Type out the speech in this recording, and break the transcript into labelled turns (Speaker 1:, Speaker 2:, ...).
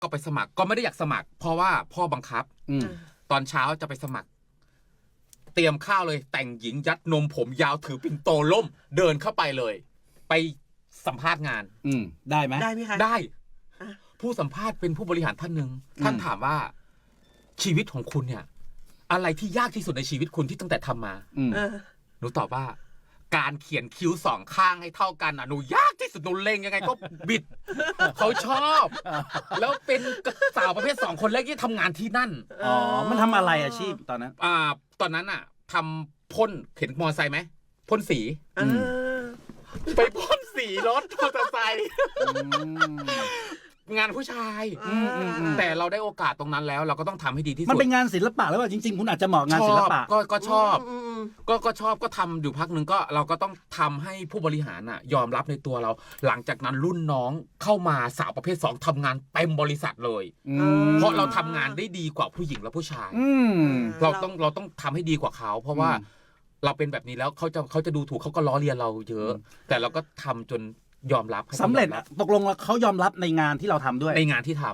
Speaker 1: ก็ไปสมัครก็ไม่ได้อยากสมัคร เพราะว่าพ่อบังคับ ตอนเช้าจะไปสมัคร เตรียมข้าวเลย แต่งหญิงยัดนมผมยาวถือปิ่นโตล่ม เดินเข้าไปเลย ไปสัมภาษณ์งาน
Speaker 2: ได้ไหม
Speaker 3: ได้ไหมคะ
Speaker 1: ได้
Speaker 3: อ่ะ
Speaker 1: ผู้สัมภาษณ์เป็นผู้บริหารท่านหนึ่งท่านถามว่า ชีวิตของคุณเนี่ย อะไรที่ยากที่สุดในชีวิตคุณที่ตั้งแต่ทำมา
Speaker 3: เออ
Speaker 1: หนูตอบว่า การเขียนคิ้วสองข้างให้เท่ากันอ่ะหนูยากที่สุดหนูเล็งยังไงก็บิด เขาชอบ แล้วเป็นสาวประเภทสองคนแรกที่ทำงานที่นั่น
Speaker 2: อ๋อ มันทำอะไรอาชีพตอนนั้น
Speaker 1: ตอนนั้นอ่ะทำพ่นเห็นมอเตอร์ไซค์ไหมพ่นสี
Speaker 3: เออ
Speaker 1: ไปพ่นสีรถมอเตอร์ไซค์งานผู้ชาย แต่เราได้โอกาสตรงนั้นแล้ว เราก็ต้องทำให้ดีที่สุด
Speaker 2: มันเป็นงานศิลปะแล้วว่าจริงๆ คุณอาจจะเหมาะงานศิลปะ
Speaker 1: ก็ชอบ
Speaker 3: ม
Speaker 1: ก็ชอบก็ทำอยู่พักหนึ่งก็เราก็ต้องทำให้ผู้บริหารน่ะ ยอมรับในตัวเรา หลังจากนั้นรุ่นน้องเข้ามาสาวประเภท 2ทำงานเต็มบริษัทเลย เพราะเราทำงานได้ดีกว่าผู้หญิงและผู้ชาย เราต้องทำให้ดีกว่าเขา เพราะว่าเราเป็นแบบนี้แล้วเขาจะดูถูกเขาก็ล้อเลียนเราเยอะ แต่เราก็ทำจนยอมรับ
Speaker 2: สำเร็จอะตกลงแล้วเขายอมรับในงานที่เราทำด้วย
Speaker 1: ในงานที่ท